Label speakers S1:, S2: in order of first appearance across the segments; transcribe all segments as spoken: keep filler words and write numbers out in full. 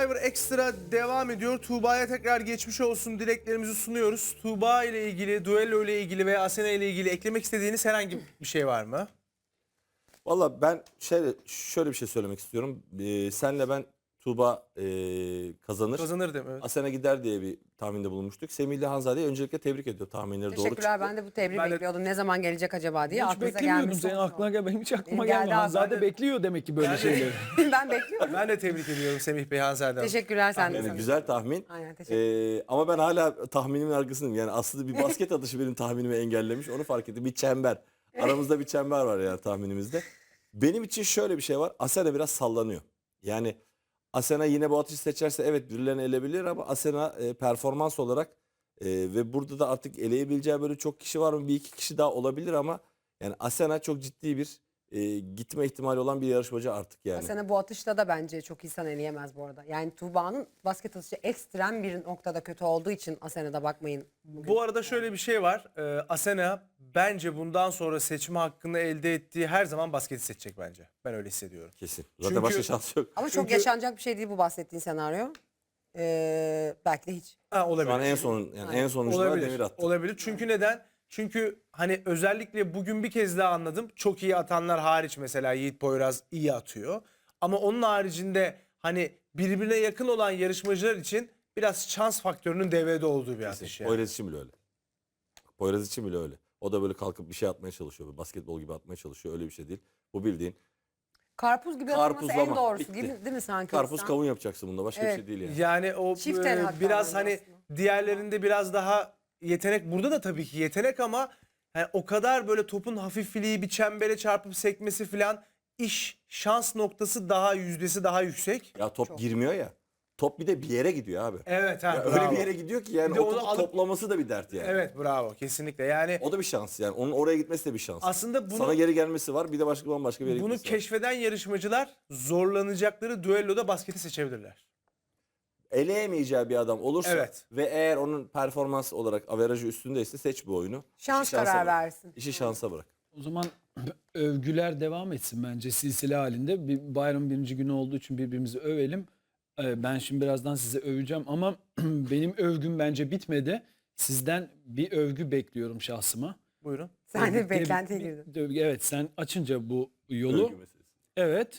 S1: Survivor Extra devam ediyor. Tuğba'ya tekrar geçmiş olsun dileklerimizi sunuyoruz. Tuğba ile ilgili, duello ile ilgili veya Asena ile ilgili eklemek istediğiniz herhangi bir şey var mı?
S2: Valla ben şöyle, şöyle bir şey söylemek istiyorum. Ee, senle ben Tuğba e, kazanır.
S1: Kazanır değil mi? Evet.
S2: Asena gider diye bir tahminde bulunmuştuk. Semih ile Hanzade'yi öncelikle tebrik ediyor. Tahminleri doğru
S3: Teşekkürler.
S2: çıktı.
S3: Ben de bu tebriği
S1: Ben de-
S3: bekliyordum. Ne zaman gelecek acaba diye.
S4: Hiç
S3: Aklınıza
S4: beklemiyordum.
S3: gelmiş
S4: Senin
S3: olsun.
S4: aklına gel, benim hiç aklıma
S3: Benim geldi
S4: gelmedi.
S3: abi.
S4: Hanzade
S1: Ben de-
S4: bekliyor demek ki böyle
S1: Ben de-
S4: şeyleri.
S3: Ben bekliyorum.
S1: Ben de tebrik ediyorum Semih Bey, Hanzade Hanım.
S3: Teşekkürler sen de.
S2: Yani
S3: Samet.
S2: güzel tahmin.
S3: Aynen, teşekkür
S2: Ee, ama ben hala tahminimin arkasındayım. Yani aslında bir basket atışı benim tahminimi engellemiş. Onu fark ettim. Bir çember. Aramızda bir çember var yani tahminimizde. Benim için şöyle bir şey var. Asena biraz sallanıyor. Yani Asena yine bu atışı seçerse evet birilerini elebilir ama Asena e, performans olarak e, ve burada da artık eleyebileceği böyle çok kişi var mı? Bir iki kişi daha olabilir ama yani Asena çok ciddi bir e, gitme ihtimali olan bir yarışmacı artık yani.
S3: Asena bu atışta da bence çok insan eleyemez bu arada. Yani Tuğba'nın basket atışı ekstrem bir noktada kötü olduğu için Asena'da bakmayın. Bugün.
S1: Bu arada şöyle bir şey var. Ee, Asena bence bundan sonra seçme hakkını elde ettiği her zaman basketi seçecek bence. Ben öyle hissediyorum.
S2: Kesin. Zaten
S1: Çünkü-
S2: başka şansı yok.
S3: Ama çok
S1: Çünkü-
S3: yaşanacak bir şey değil bu bahsettiğin senaryo. Ee, belki de hiç.
S1: Ha, olabilir.
S2: Şu an en son yani en sonuncular
S1: Olabilir.
S2: demir attı.
S1: Olabilir. Çünkü neden? Çünkü hani özellikle bugün bir kez daha anladım. Çok iyi atanlar hariç mesela Yiğit Poyraz iyi atıyor. Ama onun haricinde hani birbirine yakın olan yarışmacılar için biraz şans faktörünün devrede olduğu bir atış yani.
S2: Poyraz için bile öyle. Poyraz için bile öyle. O da böyle kalkıp bir şey atmaya çalışıyor. Böyle basketbol gibi atmaya çalışıyor. Öyle bir şey değil. Bu bildiğin
S3: Karpuz gibi atılması en
S2: karpuzlama.
S3: doğrusu
S2: Bitti.
S3: gibi değil mi sanki?
S2: Karpuz
S3: İnsan?
S2: kavun yapacaksın bunda. Başka
S3: Evet.
S2: bir şey değil yani.
S1: Yani o
S3: Çift
S1: e,
S3: el hatta
S1: biraz
S3: bence
S1: hani
S3: aslında.
S1: diğerlerinde biraz daha yetenek. Burada da tabii ki yetenek ama yani o kadar böyle topun hafifliği bir çembere çarpıp sekmesi falan iş şans noktası daha yüzdesi daha yüksek.
S2: Ya top
S3: Çok.
S2: girmiyor ya. Top bir de bir yere gidiyor abi.
S1: Evet ha
S2: Ya
S1: bravo.
S2: öyle bir yere gidiyor ki yani
S1: Bir de
S2: o
S1: onu
S2: topu
S1: alıp-
S2: toplaması da bir dert yani.
S1: Evet bravo kesinlikle yani
S2: O da bir şans yani. Onun oraya gitmesi de bir şans.
S1: aslında bunu
S2: Sana geri gelmesi var. Bir de başka bambaşka bir yere
S1: bunu
S2: gitmesi var.
S1: keşfeden yarışmacılar zorlanacakları düelloda basketi seçebilirler.
S2: Eleyemeyeceği bir adam olursa
S1: Evet.
S2: ve eğer onun performans olarak averajı üstündeyse seç bu oyunu.
S3: Şans
S2: İşi şansa
S3: karar
S2: bırak.
S3: versin.
S2: İşi şansa bırak.
S4: O zaman övgüler devam etsin bence silsile halinde. Bir bayram birinci günü olduğu için birbirimizi övelim. Ee, Ben şimdi birazdan size öveceğim ama benim övgüm bence bitmedi. Sizden bir övgü bekliyorum şahsıma.
S1: Buyurun.
S3: Sen de
S4: Bir- bir-
S3: beklentiye
S4: bir-
S3: girdin.
S4: bir övgü- Evet, sen açınca bu yolu.
S2: Övgü meselesi.
S4: Evet.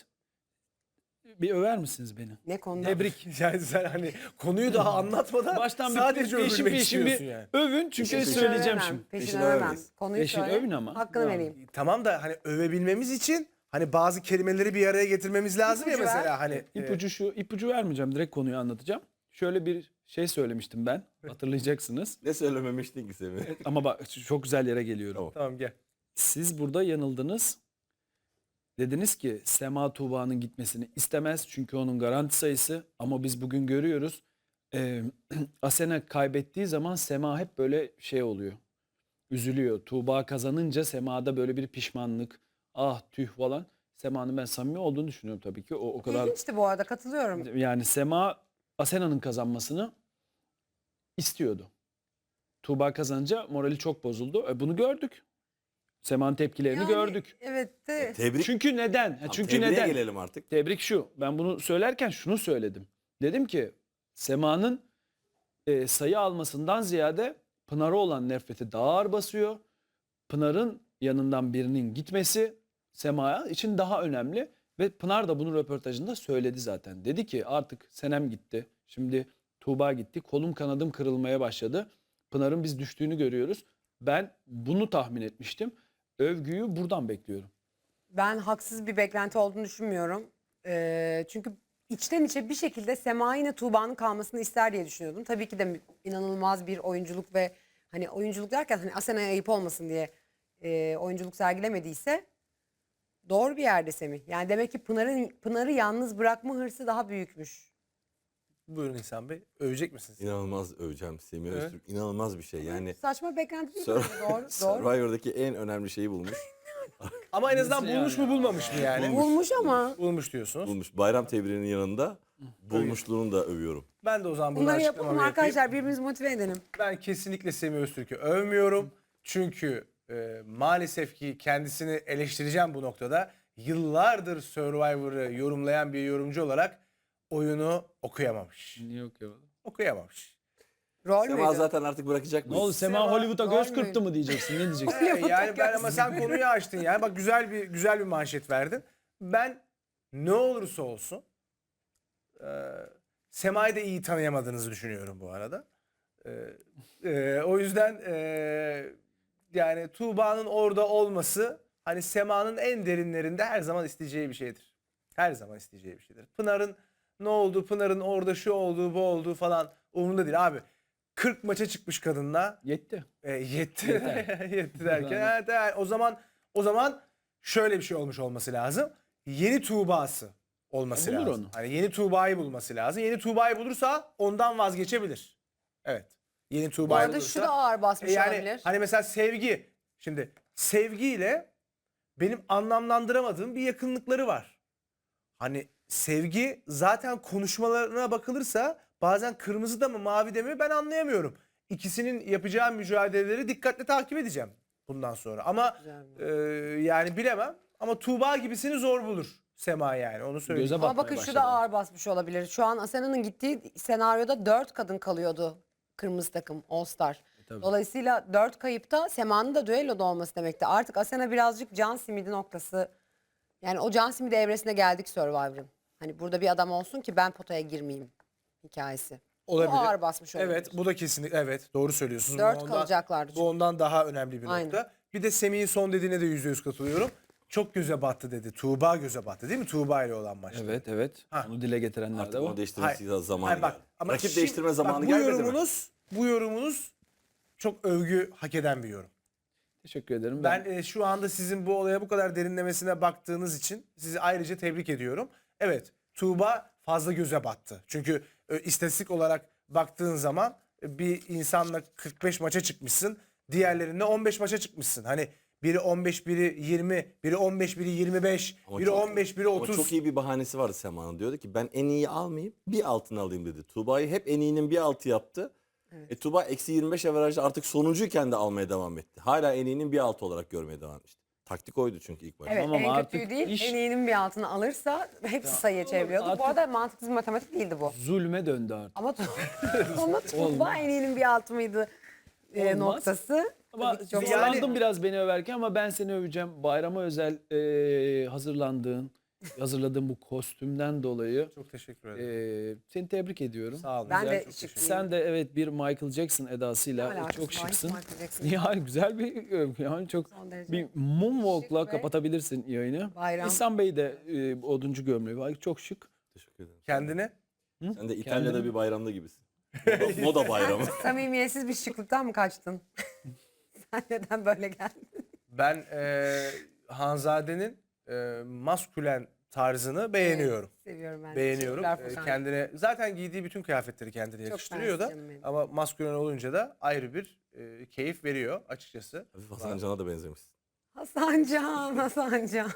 S4: Bir över misiniz beni?
S3: Ne konuda?
S4: Tebrik.
S1: Yani sen hani konuyu daha anlatmadan
S4: Baştan bir
S1: sadece
S4: peşin
S1: övülmek
S4: peşin
S1: istiyorsun
S4: bir
S1: yani.
S4: övün çünkü
S2: Peşin peşin.
S4: söyleyeceğim
S3: Övemem,
S4: şimdi.
S3: Peşin
S2: Peşin
S3: övemem.
S2: övemeyiz.
S3: Konuyu
S4: Peşin
S3: söyle.
S4: övün ama.
S3: Hakkını
S4: Bravo.
S3: vereyim.
S1: Tamam da hani övebilmemiz için hani bazı kelimeleri bir araya getirmemiz lazım ya
S3: İpucu ver.
S1: mesela hani. e,
S4: İpucu şu, ipucu vermeyeceğim. Direkt konuyu anlatacağım. Şöyle bir şey söylemiştim ben. Hatırlayacaksınız.
S2: Ne söylememiştin ki Semih?
S4: Ama bak çok güzel yere geliyorum.
S2: Tamam.
S1: Tamam gel.
S4: Siz burada yanıldınız. Dediniz ki Sema Tuğba'nın gitmesini istemez çünkü onun garanti sayısı. Ama biz bugün görüyoruz. Ee, Asena kaybettiği zaman Sema hep böyle şey oluyor. Üzülüyor. Tuğba kazanınca Sema'da böyle bir pişmanlık. Ah tüh falan. Sema'nın ben samimi olduğunu düşünüyorum tabii ki. O, o kadar
S3: İlginçti bu arada, katılıyorum.
S4: yani Sema Asena'nın kazanmasını istiyordu. Tuğba kazanınca morali çok bozuldu. E, bunu gördük. Sema'nın tepkilerini
S3: Yani,
S4: gördük.
S3: Evet de
S2: Tebrik.
S4: Çünkü neden? Ha,
S2: Tamam,
S4: çünkü
S2: tebriğe
S4: neden?
S2: gelelim artık.
S4: Tebrik şu. Ben bunu söylerken şunu söyledim. Dedim ki Sema'nın e, sayı almasından ziyade Pınar'a olan nefreti daha ağır basıyor. Pınar'ın yanından birinin gitmesi Sema için daha önemli. Ve Pınar da bunu röportajında söyledi zaten. Dedi ki artık Senem gitti. Şimdi Tuğba gitti. Kolum kanadım kırılmaya başladı. Pınar'ın biz düştüğünü görüyoruz. Ben bunu tahmin etmiştim. Övgüyü buradan bekliyorum.
S3: ben haksız bir beklenti olduğunu düşünmüyorum. Ee, çünkü içten içe bir şekilde Sema yine Tuğba'nın kalmasını ister diye düşünüyordum. Tabii ki de inanılmaz bir oyunculuk ve hani oyunculuk derken hani Asena'ya ayıp olmasın diye e, oyunculuk sergilemediyse doğru bir yerde Semih. Yani demek ki Pınar'ın Pınar'ı yalnız bırakma hırsı daha büyükmüş.
S1: Buyurun İhsan Bey. Övecek misiniz?
S2: İnanılmaz öveceğim Semih
S1: Evet.
S2: Öztürk. İnanılmaz bir şey. Yani
S3: Saçma beklenti değil mi?
S2: Sur-
S3: Doğru, doğru.
S2: Survivor'daki en önemli şeyi bulmuş.
S1: Ama en azından
S4: Nasıl
S1: bulmuş
S4: yani?
S1: mu bulmamış mı yani?
S2: Bulmuş.
S3: Bulmuş ama.
S1: Bulmuş diyorsunuz.
S2: bulmuş. Bayram tebriğinin yanında bulmuşluğunu da övüyorum.
S1: Ben de o zaman buradan
S3: Bunları yapalım
S1: açıklamamı yapayım.
S3: arkadaşlar, birbirimizi motive edelim.
S1: Ben kesinlikle Semih Öztürk'ü övmüyorum. Çünkü e, maalesef ki kendisini eleştireceğim bu noktada. Yıllardır Survivor'ı yorumlayan bir yorumcu olarak oyunu okuyamamış.
S4: Niye okuyamadım?
S1: Okuyamamış.
S3: Rol
S2: Sema
S3: müydü?
S2: zaten artık bırakacak
S4: Ne
S2: mıyız?
S4: oldu Sema
S1: Sema-
S4: Hollywood'a göz
S3: Rol
S4: kırptı
S3: müydü?
S4: mı diyeceksin? Ne diyeceksin?
S1: Ee, yani ben ama sen konuyu açtın yani. Bak güzel bir güzel bir manşet verdin. Ben ne olursa olsun e, Sema'yı da iyi tanıyamadığınızı düşünüyorum bu arada. E, e, o yüzden e, yani Tuğba'nın orada olması hani Sema'nın en derinlerinde her zaman isteyeceği bir şeydir. Her zaman isteyeceği bir şeydir. Pınar'ın ne oldu, Pınar'ın orada şu olduğu, bu olduğu falan umurunda değil abi. kırk maça çıkmış kadınla.
S4: Yetti.
S1: E, yetti.
S4: Yeter.
S1: yetti derken.
S4: Yani.
S1: Evet, evet. O zaman o zaman şöyle bir şey olmuş olması lazım. Yeni Tuğba'sı olması
S4: E, bulur
S1: lazım.
S4: onu.
S1: Hani yeni Tuğba'yı bulması lazım. Yeni Tuğba'yı bulursa ondan vazgeçebilir. Evet. Yeni
S3: Bu
S1: Tuğba'yı
S3: arada
S1: bulursa.
S3: şu da ağır basmış
S1: E, yani
S3: olabilir.
S1: hani mesela sevgi. Şimdi sevgiyle benim anlamlandıramadığım bir yakınlıkları var. Hani sevgi zaten konuşmalarına bakılırsa bazen kırmızı da mı mavi de mi ben anlayamıyorum. İkisinin yapacağı mücadeleleri dikkatle takip edeceğim bundan sonra. Ama
S3: Güzel.
S1: e, yani bilemem. Ama Tuğba gibisini zor bulur Sema yani onu söyleyeyim.
S4: Göze
S3: Ama
S4: batmaya
S3: bakın şu
S4: başladı.
S3: da ağır basmış olabilir. Şu an Asena'nın gittiği senaryoda dört kadın kalıyordu. Kırmızı takım All Star.
S4: tabii.
S3: Dolayısıyla dört kayıpta Sema'nın da düelloda olması demekti. Artık Asena birazcık can simidi noktası. Yani o can simidi evresine geldik Survivor'ın. Hani burada bir adam olsun ki ben potaya girmeyeyim hikayesi.
S1: Olabilir.
S3: Bu ağır basmış olabilir.
S1: Evet bu da kesinlikle evet doğru söylüyorsunuz. Bu
S3: Dört
S1: ondan-
S3: kalacaklardı çünkü.
S1: Bu ondan daha önemli bir
S3: Aynen.
S1: nokta. Bir de Semih'in son dediğine de yüzde yüz katılıyorum. Çok göze battı dedi. Tuğba göze battı değil mi? Tuğba ile olan maçta.
S4: Evet evet.
S1: Ha.
S4: Onu dile getirenler
S2: Artık
S4: de
S2: onu
S4: var.
S2: değiştirmesi
S1: Hayır.
S2: zamanı
S1: Hayır, bak,
S2: geldi.
S1: ama
S2: Rakip
S1: şimdi-
S2: değiştirme zamanı
S1: bak, bu
S2: gelmedi mi?
S1: yorumunuz, Bu yorumunuz çok övgü hak eden bir yorum.
S4: Teşekkür ederim.
S1: Ben e, şu anda sizin bu olaya bu kadar derinlemesine baktığınız için sizi ayrıca tebrik ediyorum. Evet, Tuğba fazla göze battı. Çünkü e, istatistik olarak baktığın zaman e, bir insanla kırk beş maça çıkmışsın, diğerlerinde on beş maça çıkmışsın. Hani biri on beş, biri yirmi, biri on beş, biri yirmi beş,
S2: Ama
S1: biri
S2: çok-
S1: on beş, biri
S2: Ama
S1: otuz.
S2: çok iyi bir bahanesi vardı Sema'nın. Diyordu ki ben en iyi almayayım bir altını alayım dedi. Tuğba'yı hep en iyinin bir altı yaptı. E, Tuğba eksi yirmi beş averajda artık sonuncuyken de almaya devam etti. Hala en iyinin bir altı olarak görmeye devam etti. Taktik oydu çünkü ilk başta.
S3: Evet
S4: Tamam
S3: en
S4: ama
S3: kötüyü
S4: artık
S3: değil
S4: iş-
S3: en iyinin bir altına alırsa hepsi sayıya çeviriyordu.
S4: artık-
S3: Bu arada mantıksız bir matematik değildi bu.
S4: Zulme döndü artık.
S3: Ama, ama Tuğba
S4: Olmaz.
S3: en iyinin bir altı mıydı e,
S4: Olmaz.
S3: noktası.
S4: Ama
S3: Tabii ki çok
S1: Yani-
S4: zorlandım biraz beni överken ama ben seni öveceğim. Bayrama özel e, hazırlandığın, hazırladığın bu kostümden dolayı
S1: Çok teşekkür ederim.
S4: e, seni tebrik ediyorum.
S1: Sağ olun.
S3: Ben
S1: Güzel,
S3: de
S1: çok
S3: şık
S1: teşekkür
S3: değilim.
S4: Sen de evet bir Michael Jackson
S3: Ne
S4: edasıyla
S3: alakası
S4: çok
S3: var?
S4: şıksın.
S3: Michael Jackson.
S4: Yani güzel bir övgü. Yani çok
S3: Son derece
S4: bir moonwalk'la
S3: şık ve
S4: kapatabilirsin yayını.
S3: bayram.
S4: İhsan Bey de e, oduncu gömleği var. Çok şık.
S2: Teşekkür ederim.
S1: Kendine
S2: Sen de İtalya'da
S4: Kendini-
S2: bir bayramda gibisin. Moda, moda bayramı.
S3: Samimiyetsiz bir şıklıktan mı kaçtın? Sen neden böyle geldin?
S1: ben e, Hanzade'nin e, maskülen tarzını beğeniyorum.
S3: Seviyorum ben. de.
S1: Beğeniyorum.
S3: Teşekkürler
S1: Ee,
S3: Furkan.
S1: kendine zaten giydiği bütün kıyafetleri kendine yakıştırıyor da
S3: mersi canım benim.
S1: ama maskülen olunca da ayrı bir e, keyif veriyor açıkçası.
S2: Hafif Hasan Can'a da benzemişsin.
S3: Hasancan, Hasancan.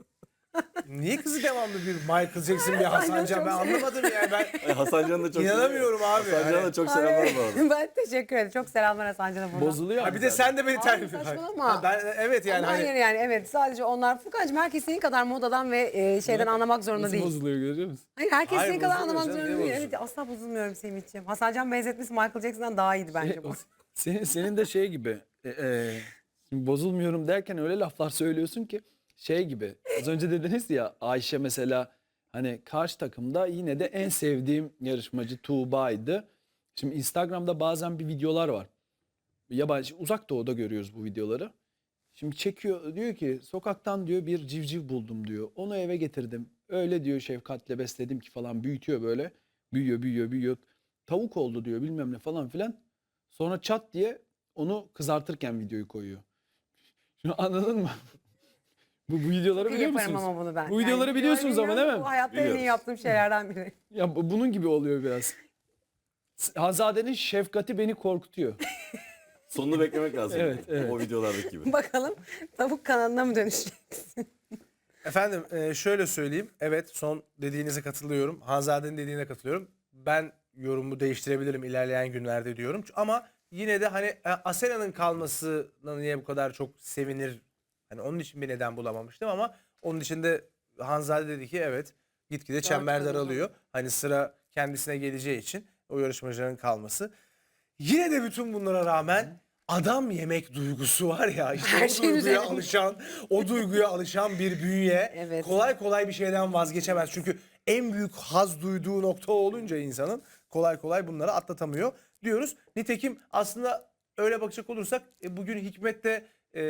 S1: Niye kızı devamlı bir Michael Jackson bir Hasan Can ben anlamadım yani ben
S2: Ay, Hasan Can'ı da çok
S1: İnanamıyorum abi.
S2: Hasan Can'a
S1: Hani-
S2: da çok selamlar bu arada.
S3: Ben teşekkür ederim. Çok selamlar Hasancan'a buradan.
S4: Bozuluyor.
S1: Ha,
S4: ama
S1: bir de
S4: zaten.
S1: sen de beni
S3: Hayır,
S1: terbiye
S3: saçmalama.
S1: Ben evet yani
S3: Ama
S1: hani
S3: hayır yani evet sadece onlar. Furkan'cığım herkes senin kadar modadan ve e, şeyden anlamak zorunda
S4: Nasıl
S3: değil.
S4: bozuluyor görüyor musun?
S3: Hayır herkes
S1: Hayır,
S3: senin kadar
S1: bozulmuyor
S3: anlamak
S1: canım,
S3: zorunda
S1: niye
S3: değil.
S1: bozulsun?
S3: Evet asla bozulmuyorum Semih'ciğim. Hasancan benzetmesi Michael Jackson'dan daha iyiydi bence
S4: Şey,
S3: bu.
S4: o- senin, senin de şey gibi e, e, şimdi bozulmuyorum derken öyle laflar söylüyorsun ki şey gibi az önce dediniz ya Ayşe mesela hani karşı takımda yine de en sevdiğim yarışmacı Tuğba'ydı. Şimdi Instagram'da bazen bir videolar var. Yabancı uzak doğuda görüyoruz bu videoları. Şimdi çekiyor diyor ki sokaktan diyor bir civciv buldum diyor. Onu eve getirdim. Öyle diyor şefkatle besledim ki falan büyütüyor böyle. Büyüyor büyüyor büyüyor. Tavuk oldu diyor bilmem ne falan filan. Sonra çat diye onu kızartırken videoyu koyuyor. Şunu anladın mı? bu, bu videoları
S3: İyi
S4: biliyor
S3: yaparım
S4: musunuz?
S3: ama bunu ben.
S4: Bu videoları biliyorsunuz ama değil mi?
S3: Bu hayatta en iyi
S2: Biliyoruz.
S3: yaptığım şeylerden biri.
S4: Ya bu- bunun gibi oluyor biraz. Hanzade'nin şefkati beni korkutuyor.
S2: Sonunu beklemek lazım.
S4: Evet, evet.
S2: O videolardaki gibi.
S3: Bakalım tavuk kanalına mı dönüşeceksin?
S1: efendim e, şöyle söyleyeyim. Evet son dediğinize katılıyorum. Hanzade'nin dediğine katılıyorum. Ben yorumu değiştirebilirim ilerleyen günlerde diyorum. Ama yine de hani e, Asena'nın kalmasına niye bu kadar çok sevinir? Hani onun için bir neden bulamamıştım ama onun için de Hanzade dedi ki evet Gitgide çember
S3: kadın.
S1: daralıyor. Hani sıra kendisine geleceği için o yarışmacıların kalması. Yine de bütün bunlara rağmen adam yemek duygusu var ya, işte
S3: Her
S1: o
S3: şeyin
S1: duyguya
S3: üzerine.
S1: alışan, o duyguya alışan bir bünye
S3: Evet.
S1: kolay kolay bir şeyden vazgeçemez. Çünkü en büyük haz duyduğu nokta olunca insanın kolay kolay bunları atlatamıyor diyoruz. Nitekim aslında öyle bakacak olursak e, bugün Hikmet de e,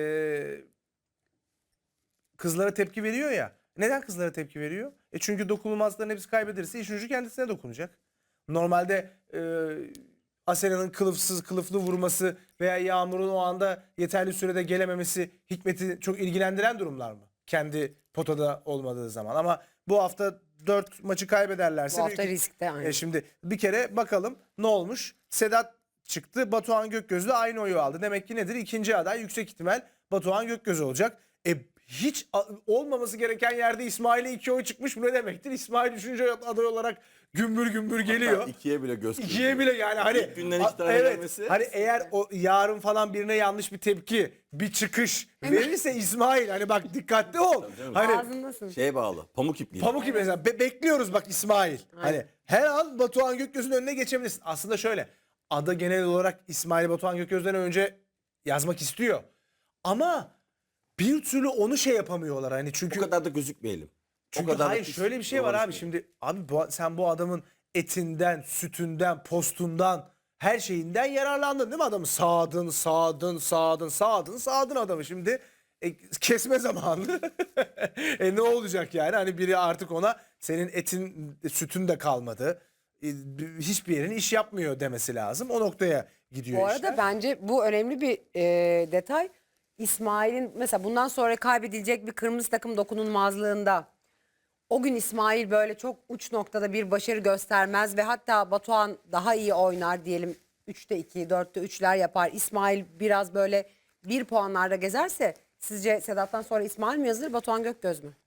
S1: kızlara tepki veriyor ya. Neden kızlara tepki veriyor? E çünkü dokunulmazların hepsi kaybederse işin ucu kendisine dokunacak. Normalde e, Asena'nın kılıfsız kılıflı vurması veya Yağmur'un o anda yeterli sürede gelememesi Hikmet'i çok ilgilendiren durumlar mı? Kendi potada olmadığı zaman. Ama bu hafta dört maçı kaybederlerse...
S3: Bu hafta
S1: büyük-
S3: riskte aynı.
S1: E şimdi bir kere bakalım ne olmuş? Sedat çıktı. Batuhan Gökgöz'le aynı oyu aldı. Demek ki nedir? İkinci aday yüksek ihtimal Batuhan Gökgöz olacak. E hiç a- olmaması gereken yerde İsmail'e iki oy çıkmış. Bu ne demektir? İsmail üçüncü aday olarak gümbür gümbür geliyor.
S2: Hatta ikiye bile göz
S1: İkiye
S2: kırpıyor.
S1: bile yani hani
S2: İlk günden
S1: a-
S2: iki tane
S1: evet,
S2: gelmesi.
S1: hani eğer o yarın falan birine yanlış bir tepki, bir çıkış verirse İsmail hani bak dikkatli ol.
S2: canım.
S1: Hani
S3: Ağzındasın.
S2: Şeye bağlı. Pamuk ipliği.
S1: Pamuk gibi mesela Be- bekliyoruz bak İsmail. Hani her an Batuhan Gökgöz'ün önüne geçebilirsin. Aslında şöyle, Ada genel olarak İsmail Batuhan Gökgöz'den önce yazmak istiyor. Ama bir türlü onu şey yapamıyorlar hani çünkü
S2: O kadar da gözükmeyelim.
S1: çünkü
S2: o kadar da
S1: hayır
S2: pis
S1: şöyle bir şey var abi
S2: dolaşmayalım.
S1: şimdi abi bu, sen bu adamın etinden, sütünden, postundan her şeyinden yararlandın değil mi adamı? Sağdın, sağdın, sağdın, sağdın, sağdın adamı şimdi e, kesme zamanı. e ne olacak yani? Hani biri artık ona senin etin, sütün de kalmadı. E, hiçbir yerin iş yapmıyor demesi lazım. O noktaya gidiyor
S3: Bu arada
S1: işler.
S3: bence bu önemli bir e, detay. İsmail'in mesela bundan sonra kaybedilecek bir kırmızı takım dokunulmazlığında o gün İsmail böyle çok uç noktada bir başarı göstermez ve hatta Batuhan daha iyi oynar diyelim üçte iki, dörtte üçler yapar. İsmail biraz böyle bir puanlarda gezerse sizce Sedat'tan sonra İsmail mi yazılır Batuhan Gökgöz mü?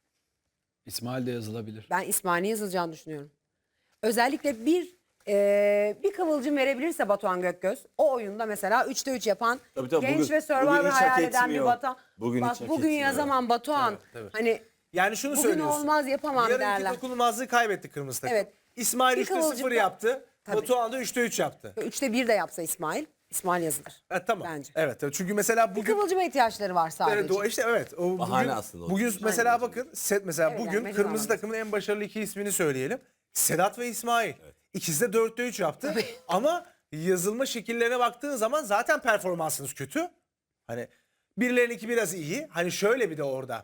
S4: İsmail de yazılabilir.
S3: Ben İsmail'in yazılacağını düşünüyorum. Özellikle bir e, bir kıvılcım verebilirse Batuhan Gökgöz o oyunda mesela üçte üç yapan
S2: Tabii tabii,
S3: genç
S2: bugün-
S3: ve Survivor
S2: bugün hiç hak
S3: hayal eden bir
S2: etmiyor.
S3: Batuhan.
S2: Bugün
S3: Bak
S2: hiç hak
S3: bugün
S2: etmiyor.
S3: yazamam Batuhan.
S1: Evet, evet.
S3: Hani
S1: Yani şunu
S3: bugün
S1: söylüyorsun.
S3: olmaz, yapamam
S1: Yarınki
S3: derler.
S1: dokunulmazlığı kaybetti kırmızı takım.
S3: Evet.
S1: İsmail
S3: Bir
S1: üçte
S3: kıvılcım
S1: sıfır
S3: da-
S1: yaptı.
S3: Tabii.
S1: Batuhan da üçte üç yaptı.
S3: üçte bir de yapsa İsmail, İsmail yazılır.
S1: Ha, tamam.
S3: Bence.
S1: Evet, evet. Çünkü mesela
S3: Bir
S1: bugün
S3: kıvılcıma ihtiyaçları var sadece.
S1: evet, o işte evet. O
S2: Bahane
S1: bugün,
S2: aslında o.
S1: bugün mesela bakın set mesela
S3: Evet,
S1: bugün
S3: yani mecbur
S1: kırmızı
S3: anladım.
S1: takımın en başarılı iki ismini söyleyelim. Sedat ve İsmail. İkisi de dörtte üç yaptı. Ama yazılma şekillerine baktığın zaman zaten performansınız kötü. Hani birilerininki biraz iyi. Hani şöyle bir de orada.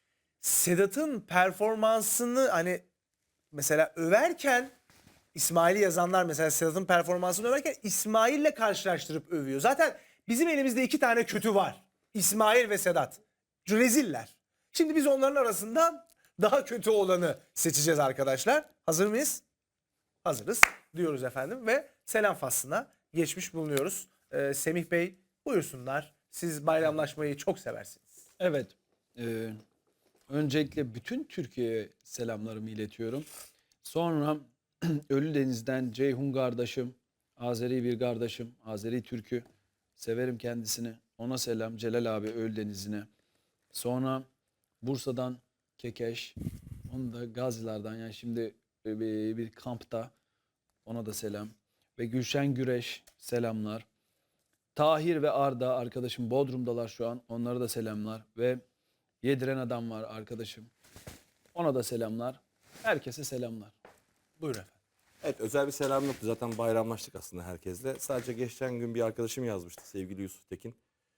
S1: Sedat'ın performansını hani mesela överken İsmail'i yazanlar mesela Sedat'ın performansını överken İsmail'le karşılaştırıp övüyor. Zaten bizim elimizde iki tane kötü var. İsmail ve Sedat. Reziller. Şimdi biz onların arasından daha kötü olanı seçeceğiz arkadaşlar. Hazır mıyız? Hazırız diyoruz efendim ve selam faslına geçmiş bulunuyoruz. Ee, Semih Bey buyursunlar. Siz bayramlaşmayı çok seversiniz.
S4: Evet. e, öncelikle bütün Türkiye'ye selamlarımı iletiyorum. Sonra Ölüdeniz'den Ceyhun kardeşim, Azeri bir kardeşim, Azeri Türk'ü. Severim kendisini. Ona selam. Celal abi Ölüdeniz'ine. Sonra Bursa'dan Kekeş. Onu da Gaziler'den yani şimdi bir, bir kampta. Ona da selam. Ve Gülşen Güreş selamlar. Tahir ve Arda arkadaşım Bodrum'dalar şu an. Onlara da selamlar. Ve Yediren Adam var arkadaşım. Ona da selamlar. Herkese selamlar.
S1: Buyurun efendim.
S2: Evet, özel bir selam yoktu. Zaten bayramlaştık aslında herkesle. Sadece geçen gün bir arkadaşım yazmıştı. Sevgili Yusuf Tekin.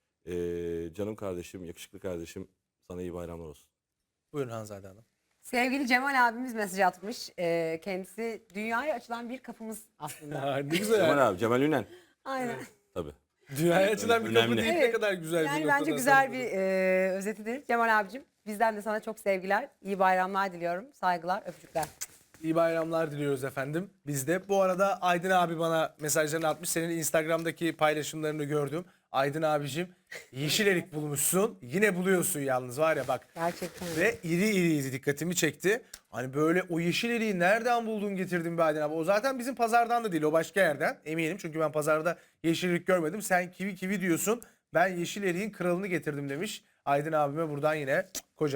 S2: Ee, canım kardeşim, yakışıklı kardeşim. Sana iyi bayramlar olsun.
S1: Buyurun Hanzade Hanım.
S3: Sevgili Cemal abimiz mesaj atmış. Ee, kendisi dünyaya açılan bir kapımız aslında.
S1: ne güzel.
S2: Cemal abi, Cemal Ünen.
S3: Aynen.
S2: Tabii.
S1: Dünyaya açılan bir kapı
S2: Önemli.
S1: değil ne
S3: Evet.
S1: kadar güzel bir
S3: Yani
S1: noktadan
S3: bence güzel
S1: sonra.
S3: bir e, özetidir. Cemal abicim bizden de sana çok sevgiler, iyi bayramlar diliyorum. Saygılar, öpücükler.
S1: İyi bayramlar diliyoruz efendim. Biz de. Bu arada Aydın abi bana mesajlarını atmış. Senin Instagram'daki paylaşımlarını gördüm. Aydın abicim yeşil erik bulmuşsun. Yine buluyorsun yalnız var ya bak.
S3: Gerçekten.
S1: Ve iri iriydi, dikkatimi çekti. Hani böyle o yeşil eriği nereden buldun getirdin be Aydın abi? O zaten bizim pazardan da değil, o başka yerden eminim. Çünkü ben pazarda yeşil erik görmedim. Sen kivi kivi diyorsun. Ben yeşil eriğin kralını getirdim demiş. Aydın abime buradan yine kocaman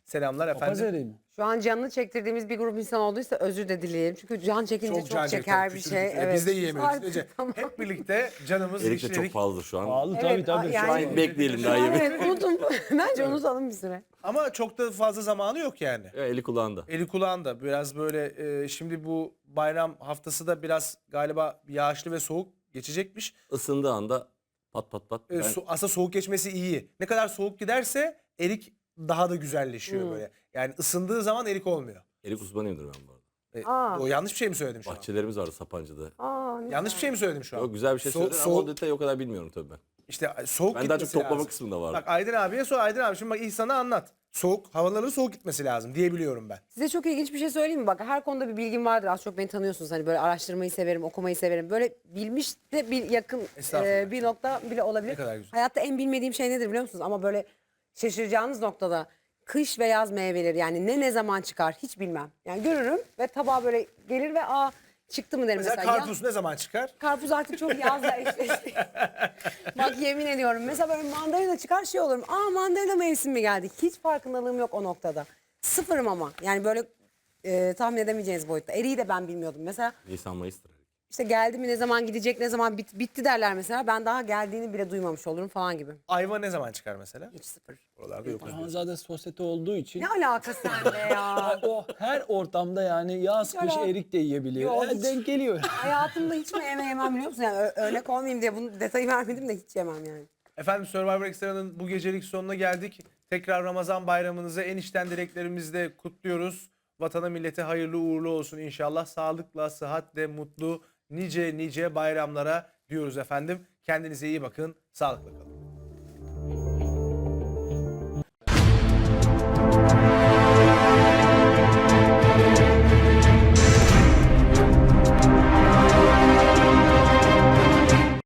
S1: Selamlar
S4: Papaz
S1: efendim.
S4: eriği mi?
S3: Şu an canını çektirdiğimiz bir grup insan olduysa özür de dileyelim. Çünkü can çekince çok,
S1: can
S3: çeker
S1: çeker,
S3: bir şey.
S1: küçücük. Biz de yiyemiyoruz.
S3: Artık
S1: Ece.
S3: tamam.
S1: Hep birlikte canımız
S2: Erik de çok
S1: işledik.
S2: pahalıdır şu an.
S4: Pahalı
S3: Evet,
S4: tabii tabii.
S3: yani-
S4: Şu an-
S2: Şu an bekleyelim daha
S3: Yani
S2: yemek.
S3: evet unutun. Bence unutalım bir süre.
S1: Ama çok da fazla zamanı yok yani.
S2: Ya, eli kulağında.
S1: Eli kulağında biraz böyle e, şimdi bu bayram haftası da biraz galiba yağışlı ve soğuk geçecekmiş.
S2: Isındığı anda pat pat pat.
S1: E,
S2: Ben-
S1: so- aslında soğuk geçmesi iyi. Ne kadar soğuk giderse erik daha da güzelleşiyor
S3: Hmm.
S1: böyle. Yani ısındığı zaman erik olmuyor.
S2: erik uzmanıyımdır ben bu arada.
S1: E,
S3: Aa.
S1: o yanlış bir şey mi söyledim şu an?
S2: Bahçelerimiz vardı Sapanca'da.
S3: Aa, ne
S1: Yanlış bir şey mi söyledim şu an?
S2: Yok, güzel bir şey
S1: So-
S2: söyledin ama
S1: soğuk-
S2: o detayı o kadar bilmiyorum tabii ben.
S1: İşte soğuk
S2: Ben daha
S1: gitmesi
S2: çok toplama
S1: lazım.
S2: kısmında vardı.
S1: Bak Aydın abiye sor. Aydın abi şimdi bak İhsan'a anlat. Soğuk, havaların soğuk gitmesi lazım diyebiliyorum ben.
S3: Size çok ilginç bir şey söyleyeyim mi? Bak her konuda bir bilgim vardır. Az çok beni tanıyorsunuz. Hani böyle araştırmayı severim, okumayı severim. Böyle bilmiş de bir yakın
S1: Estağfurullah.
S3: e, bir nokta bile olabilir.
S1: Ne kadar güzel.
S3: Hayatta en bilmediğim şey nedir biliyor musunuz? Ama böyle şaşıracağınız noktada kış ve yaz meyveleri yani ne ne zaman çıkar hiç bilmem. Yani görürüm ve tabağa böyle gelir ve aa çıktı mı derim
S1: Mesela
S3: mesela. Ya-
S1: karpuz ne zaman çıkar?
S3: Karpuz artık çok yazla eşleşti. Bak yemin ediyorum. Mesela böyle mandalina çıkar şey olurum. Aa mandalina mevsimi geldi. Hiç farkındalığım yok o noktada. Sıfırım ama. Yani böyle e, tahmin edemeyeceğiniz boyutta. Eriği de ben bilmiyordum. Mesela
S2: Nisan Mayıs'tır. erik.
S3: işte geldi mi ne zaman gidecek ne zaman bit- bitti derler mesela. Ben daha geldiğini bile duymamış olurum falan gibi.
S1: Ayva ne zaman çıkar mesela?
S3: Hiç sıfır.
S1: Oralarda yok.
S4: Ama zaten sosyete olduğu için
S3: Ne alakası sende ya?
S4: o her ortamda yani yaz
S3: Hiç
S4: kış
S3: alak-
S4: erik de yiyebiliyor.
S3: Yok,
S4: Yani
S3: hiç.
S4: denk geliyor.
S3: Hayatımda hiç mi yeme yemem biliyor musun? Yani ö- örnek olmayayım diye bunu detayı vermedim de hiç yemem yani.
S1: Efendim Survivor Extra'nın bu gecelik sonuna geldik. Tekrar Ramazan bayramınızı en içten dileklerimizle kutluyoruz. Vatana millete hayırlı uğurlu olsun inşallah. Sağlıkla, sıhhatle, mutlu nice nice bayramlara diyoruz efendim. Kendinize iyi bakın, sağlıkla kalın.